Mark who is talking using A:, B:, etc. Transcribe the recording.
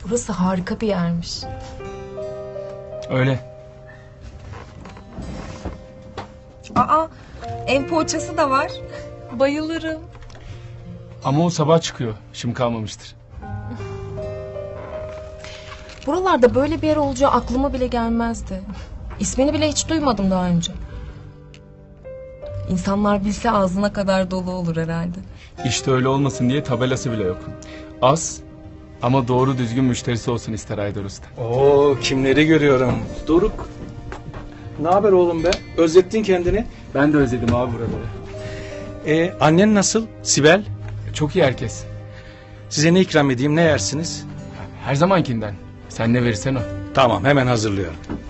A: Burası harika bir yermiş.
B: Öyle.
C: Aa, ev poğaçası da var.
A: Bayılırım.
B: Ama o sabah çıkıyor. Şimdi kalmamıştır.
A: Buralarda böyle bir yer olacağı aklıma bile gelmezdi. İsmini bile hiç duymadım daha önce. İnsanlar bilse ağzına kadar dolu olur herhalde.
B: İşte öyle olmasın diye tabelası bile yok. Az ama doğru düzgün müşterisi olsun ister Haydar Usta.
D: Oo, kimleri görüyorum. Doruk. Ne haber oğlum be? Özlettin kendini.
B: Ben de özledim abi buraları.
D: Annen nasıl? Sibel.
B: Çok iyi herkes.
D: Size ne ikram edeyim, ne yersiniz?
B: Her zamankinden. Sen ne verirsen o.
D: Tamam, hemen hazırlıyorum.